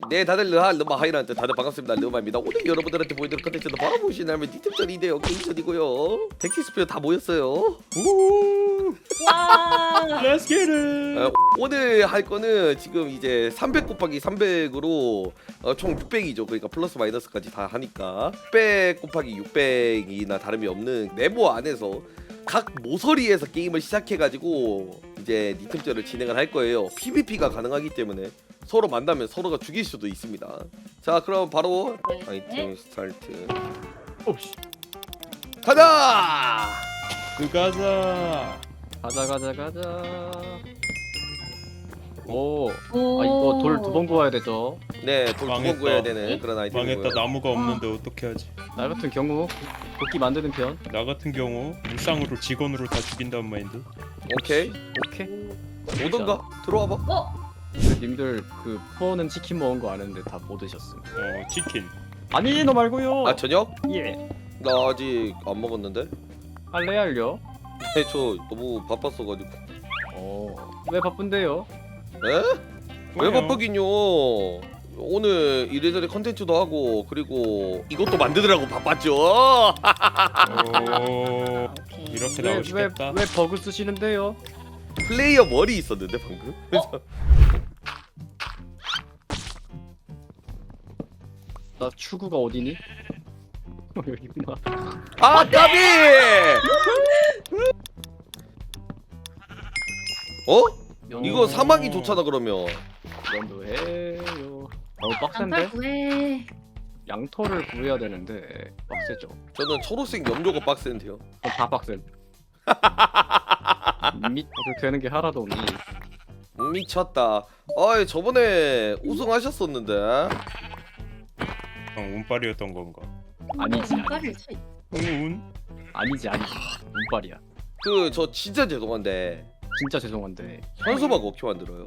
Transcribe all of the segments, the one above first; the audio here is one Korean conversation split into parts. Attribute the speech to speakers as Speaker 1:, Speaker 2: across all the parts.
Speaker 1: 네, 다들 르마 하이란트 다들 반갑습니다. 르마입니다. 오늘 여러분들한테 보여드릴 컨텐츠는 바로 보시냐면 니템전인데요. 게임전이고요. 덱티스피어 다 모였어요.
Speaker 2: 우.
Speaker 3: 와.
Speaker 2: Let's get it.
Speaker 1: 오늘 할 거는 지금 이제 300 곱하기 300으로 총 600이죠. 그러니까 플러스 마이너스까지 다 하니까 600 곱하기 600이나 다름이 없는 네모 안에서 각 모서리에서 게임을 시작해가지고 이제 니템전을 진행을 할 거예요. PVP가 가능하기 때문에 서로 만나면 서로가 죽일 수도 있습니다. 자, 그럼 바로 아이템 스타트.
Speaker 2: 오씨.
Speaker 1: 가자!
Speaker 2: 가자.
Speaker 3: 가자. 오.
Speaker 4: 오.
Speaker 3: 아 이거 돌 두 번 구워야 되죠.
Speaker 1: 네, 돌 두 번
Speaker 2: 망했다.
Speaker 1: 구해야 되는 그런 아이템이고요.
Speaker 2: 망했다. 나무가 없는데 어떻게 하지?
Speaker 3: 나 같은 경우 도끼 만드는 편.
Speaker 2: 나 같은 경우 무쌍으로 직원으로 다 죽인다는 마인드.
Speaker 1: 오케이. 오던가 들어와봐.
Speaker 4: 어?
Speaker 3: 님들 그 포는 치킨 먹은 거 아는데 다 못 드셨음.
Speaker 2: 치킨.
Speaker 3: 아니 너 말고요.
Speaker 1: 아, 저녁?
Speaker 3: 예.
Speaker 1: 나 아직 안 먹었는데.
Speaker 3: 할래요?
Speaker 1: 네, 저 너무 바빴어가지고.
Speaker 3: 왜 바쁜데요?
Speaker 1: 에? 왜 바쁘긴요? 오늘 이래저래 컨텐츠도 하고 그리고 이것도 만드느라고 바빴죠.
Speaker 4: 오케이.
Speaker 2: 이렇게
Speaker 3: 왜
Speaker 2: 나오시겠다.
Speaker 3: 버그 쓰시는데요?
Speaker 1: 플레이어 머리 있었는데 방금.
Speaker 3: 나 추구가 어디니? 여기구나.
Speaker 1: 아, 까비! 어? 이거 사막이 좋잖아 그러면.
Speaker 3: 면도 해요. 너무 빡센데?
Speaker 4: 양털 구해.
Speaker 3: 양털을 구해야 되는데 빡세죠.
Speaker 1: 저는 초록색 염료가 빡센데요.
Speaker 3: 다 빡셈. 어떻게 되는 게 하나도 없니?
Speaker 1: 미쳤다. 아이, 저번에 우승하셨었는데.
Speaker 2: 운빨이었던 건가?
Speaker 3: 아니지.
Speaker 4: 빨리지.
Speaker 2: 운?
Speaker 3: 아니지. 운빨이야.
Speaker 1: 그 저 진짜 죄송한데
Speaker 3: 진짜 죄송한데.
Speaker 1: 현수막 어떻게 만들어요?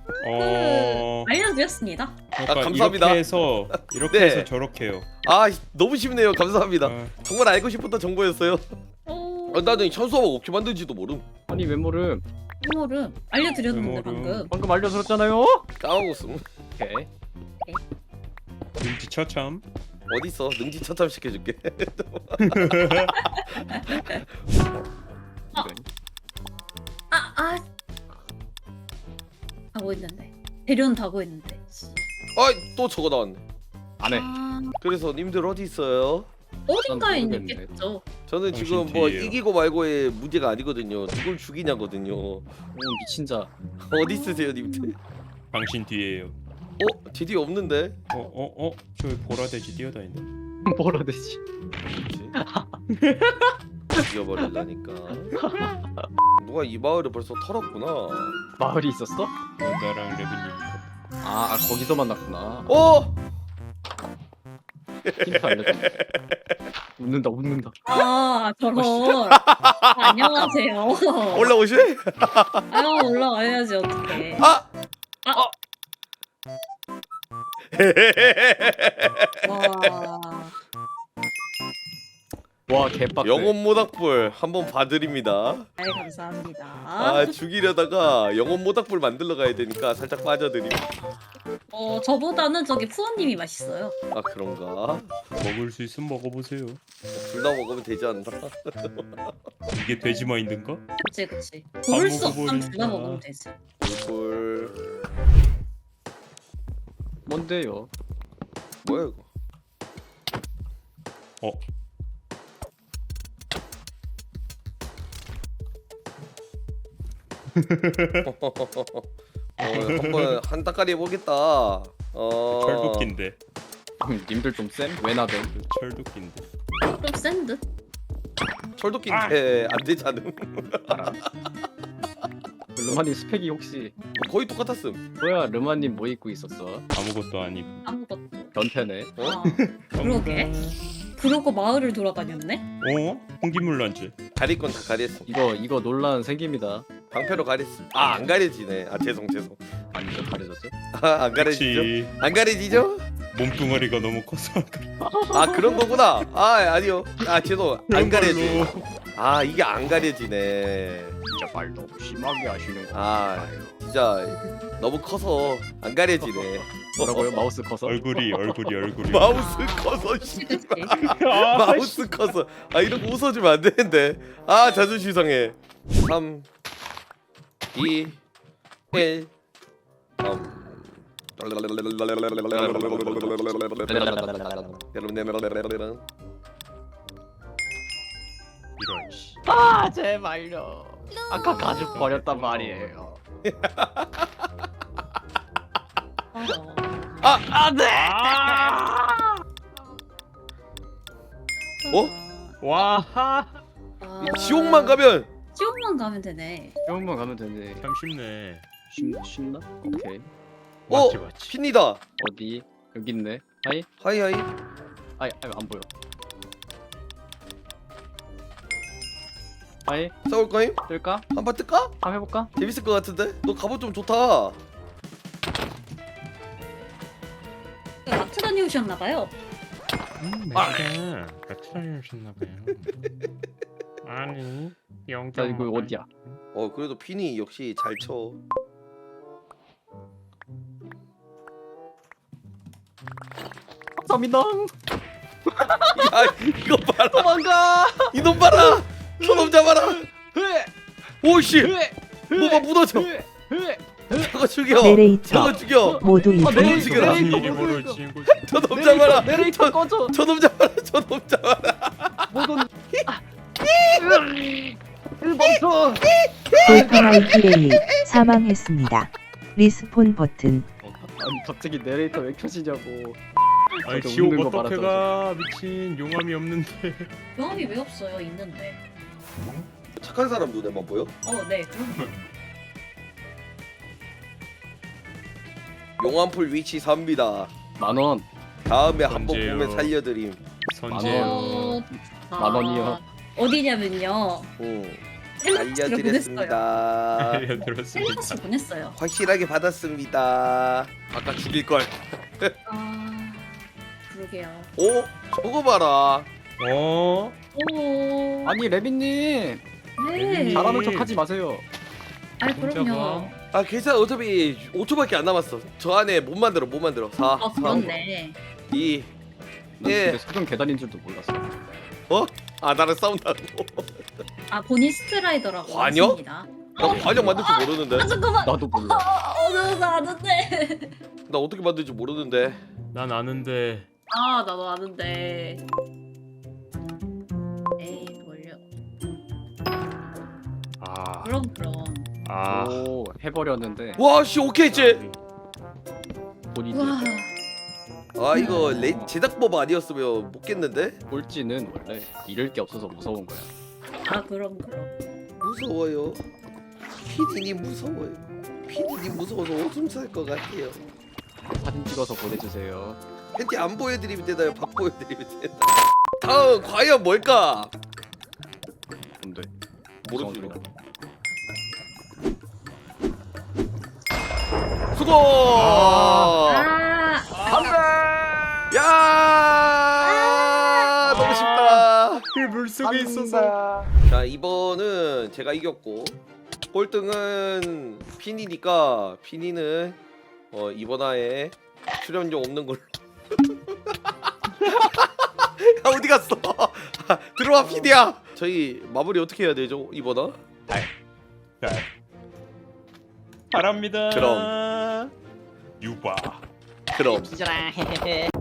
Speaker 4: 알려드렸습니다.
Speaker 2: 그러니까
Speaker 1: 감사합니다.
Speaker 2: 이렇게
Speaker 1: 네.
Speaker 2: 해서 저렇게요.
Speaker 1: 아, 너무 쉽네요. 감사합니다.
Speaker 2: 어,
Speaker 1: 정말 알고 싶었던 정보였어요.
Speaker 4: 오.
Speaker 1: 나는 현수막 어떻게 만든지도 모름.
Speaker 3: 아니 외모를
Speaker 4: 메모를 알려드렸는데
Speaker 2: 메모를.
Speaker 4: 방금.
Speaker 3: 알려드렸잖아요.
Speaker 1: 까먹었음.
Speaker 3: 오케이.
Speaker 2: 눈치 처참.
Speaker 1: 어딨어? 능지처참 시켜줄게.
Speaker 4: 아. 하고 있는데. 대련 다고 있는데.
Speaker 1: 아이, 또 저거 나왔네.
Speaker 3: 안 해.
Speaker 4: 아,
Speaker 1: 그래서 님들 어디 있어요?
Speaker 4: 어딘가에
Speaker 3: 난 모르겠네.
Speaker 4: 있겠죠.
Speaker 1: 저는
Speaker 2: 당신
Speaker 1: 지금 뭐
Speaker 2: 뒤에요.
Speaker 1: 이기고 말고의 문제가 아니거든요. 누굴 죽이냐거든요.
Speaker 3: 오 미친 자.
Speaker 1: 어디 있으세요, 님들?
Speaker 2: 당신 뒤에요.
Speaker 1: 디디 없는데?
Speaker 2: 저 보라돼지 뛰어다니네.
Speaker 3: 뭐라 되지?
Speaker 1: 뭐지? 죽여버리려니까. 누가 이 마을을 벌써 털었구나.
Speaker 3: 마을이 있었어?
Speaker 2: 나랑 레빈님.
Speaker 3: 아 거기서 만났구나. 힌트 알려줘. 웃는다.
Speaker 4: 아, 저런. 안녕하세요.
Speaker 1: 올라오실?
Speaker 4: 아, 올라와야지 어떡해.
Speaker 1: 아!
Speaker 4: 와.
Speaker 3: 와 개빡.
Speaker 1: 영혼 모닥불 한번 봐드립니다.
Speaker 4: 아이, 감사합니다.
Speaker 1: 아, 죽이려다가 영혼 모닥불 만들러 가야 되니까 살짝 빠져드림.
Speaker 4: 저보다는 저기 푸어님이 맛있어요.
Speaker 1: 아, 그런가?
Speaker 2: 먹을 수 있으면 먹어보세요.
Speaker 1: 둘 다 먹으면 되지 않나?
Speaker 2: 이게 돼지 마인드인가?
Speaker 4: 그치. 고를 수 없으면
Speaker 2: 먹어버린다.
Speaker 4: 둘다 먹으면 되지.
Speaker 1: 불
Speaker 3: 뭔데요?
Speaker 1: 뭐야 이거? 한번 한 따까리 해보겠다.
Speaker 2: 철도끼인데.
Speaker 3: 님들 좀 쌤? 왜 나대?
Speaker 2: 철도끼인데.
Speaker 4: 좀 센 듯?
Speaker 1: 철도끼인데 안 되지 않음?
Speaker 3: 르마님 스펙이 혹시
Speaker 1: 거의 똑같았음.
Speaker 3: 뭐야? 르마님 뭐 입고 있었어?
Speaker 2: 아무것도 아니고.
Speaker 4: 아무것도.
Speaker 3: 변태네.
Speaker 4: 아, 그러게. 그러고 마을을 돌아다녔네?
Speaker 2: 홍기물 란지.
Speaker 1: 가릴 건 다 가렸음.
Speaker 3: 이거 논란 생깁니다.
Speaker 1: 방패로 가렸음. 안 가려지네. 죄송.
Speaker 3: 아니죠 가려졌어요?
Speaker 1: 안 가려지죠?
Speaker 2: 그치.
Speaker 1: 안 가려지죠?
Speaker 2: 몸뚱아리가 너무 커서
Speaker 1: 아 그런 거구나. 아 아니요. 아 죄송. 안 가려지.
Speaker 2: 걸로.
Speaker 1: 아 이게 안 가려지네.
Speaker 3: 진짜 말 너무 심하게 하시는 거.
Speaker 1: 아 진짜 너무 커서 안 가려지네.
Speaker 3: 뭐라고요? 마우스 커서?
Speaker 2: 얼굴이
Speaker 1: 마우스 커서 씨.
Speaker 4: 그치.
Speaker 1: 마우스 커서. 아 이런 거 웃어주면 안 되는데. 아 자존심 상해. 3 2 1
Speaker 2: 이런 씨.
Speaker 3: 아 제발요. 아까 가죽 버렸단 말이에요. 안돼.
Speaker 1: 어?
Speaker 2: 와.
Speaker 1: 지옥만 가면
Speaker 4: 지옥만 가면 되네.
Speaker 3: 병원만 가면 되네.
Speaker 2: 참 쉽네.
Speaker 3: 쉽나? 오케이.
Speaker 2: 맞지 맞지.
Speaker 1: 핀이다.
Speaker 3: 어디? 여기 있네. 하이.
Speaker 1: 하이
Speaker 3: 아이 안 보여. 하이.
Speaker 1: 싸울 거임?
Speaker 3: 뜰까?
Speaker 1: 한판 뜰까?
Speaker 3: 한번 해볼까?
Speaker 1: 재밌을 것 같은데? 너 갑옷 좀 좋다.
Speaker 4: 마트 다녀오셨나봐요.
Speaker 2: 맞아. 같이 다니셨나봐요. 아니 영장.
Speaker 3: 나 이거 어디야?
Speaker 1: 그래도 핀이 역시 잘 쳐.
Speaker 3: 감사합니다.
Speaker 1: 야 이거 봐라.
Speaker 3: 도망가.
Speaker 1: 이놈 봐라. 저놈 잡아라. 오씨. 뭐가 무너져. 저거 죽여.
Speaker 5: 내레이터
Speaker 1: 저거 죽여.
Speaker 5: 모두
Speaker 3: 아,
Speaker 5: 이동.
Speaker 3: 내레이터,
Speaker 1: 죽여라.
Speaker 2: 무슨
Speaker 3: 내레이터
Speaker 2: 일이
Speaker 3: 모두
Speaker 2: 벌어진 거지?
Speaker 1: 저놈 잡아라.
Speaker 3: 내레이터 꺼져.
Speaker 1: 저놈 잡아라. 저놈 잡아라.
Speaker 3: 모든. 멈춰.
Speaker 5: 돌파마이 플레이 사망했습니다. 리스폰 버튼.
Speaker 3: 아니 갑자기 내레이터 왜 켜지냐고.
Speaker 2: 아니
Speaker 3: 저도
Speaker 2: 지옥
Speaker 3: 웃는 거
Speaker 2: 어떻게
Speaker 3: 말았잖아.
Speaker 2: 가? 미친 용암이 없는데.
Speaker 4: 경험이 왜 없어요? 있는데.
Speaker 1: 착한 사람 눈에만 보여?
Speaker 4: 네. 그럼
Speaker 1: 용암풀 위치 삽니다.
Speaker 3: 10,000원.
Speaker 1: 다음에 한번
Speaker 2: 언제요?
Speaker 1: 보면 살려드림.
Speaker 2: 선제요.
Speaker 3: 만 원이요.
Speaker 4: 어디냐면요. 헬라스로 보냈어요.
Speaker 1: 알려드렸습니다.
Speaker 2: 알려들었습니다.
Speaker 4: 헬라스 보냈어요.
Speaker 1: 확실하게 받았습니다. 아까 죽일 걸.
Speaker 4: 그러게요.
Speaker 1: 오 저거 봐라.
Speaker 2: 어?
Speaker 4: 오.
Speaker 3: 아니 레빈님
Speaker 4: 네.
Speaker 2: 레빈님.
Speaker 3: 잘하는 척하지 마세요.
Speaker 4: 아니 그럼요.
Speaker 1: 아 괜찮아 어차피 5초밖에 안 남았어. 저 안에 못 만들어 4
Speaker 4: 그렇네.
Speaker 1: 2
Speaker 3: 난
Speaker 1: 예.
Speaker 3: 근데 소금 계단인 줄도 몰랐어.
Speaker 1: 아 나랑 싸운다고.
Speaker 4: 본인 스트라이더라고
Speaker 1: 관여?
Speaker 4: 하십니다.
Speaker 1: 나 관역 만들 줄 모르는데.
Speaker 4: 잠깐만.
Speaker 3: 나도 몰라.
Speaker 4: 나 아는데.
Speaker 1: 나 어떻게 만들지 모르는데.
Speaker 2: 난 아는데.
Speaker 4: 나도 아는데. 에이 뭘요?
Speaker 2: 아.
Speaker 4: 그럼.
Speaker 2: 아.
Speaker 3: 오 해버렸는데
Speaker 1: 와씨 오케이 이제.
Speaker 3: 본인이
Speaker 4: 와.
Speaker 1: 아 이거 제작법 아니었으면 못 깼는데.
Speaker 3: 꼴찌는 원래 잃을 게 없어서 무서운 거야.
Speaker 4: 그럼.
Speaker 1: 무서워요. 피디님 무서워요. 피디님 무서워서 오줌 쌀 것 같아요.
Speaker 3: 사진 찍어서 보내주세요.
Speaker 1: 팬티 안 보여드리면 되나요? 박 보여드리면 되나? 다음 과연 뭘까?
Speaker 3: 근데
Speaker 1: 모르지.
Speaker 3: 무서운
Speaker 1: 수고.
Speaker 4: 아.
Speaker 1: 야 너무 쉽다.
Speaker 2: 물 속에 있어서.
Speaker 1: 자 이번은 제가 이겼고 꼴등은 피니니까 피니는 이번 화에 출연료 없는 걸로. 야 어디 갔어? 들어와 피디야. 저희 마무리 어떻게 해야 되죠 이번 화?
Speaker 2: 네. 바랍니다.
Speaker 1: 그럼.
Speaker 2: 유바.
Speaker 1: 그럼.
Speaker 3: 기절아.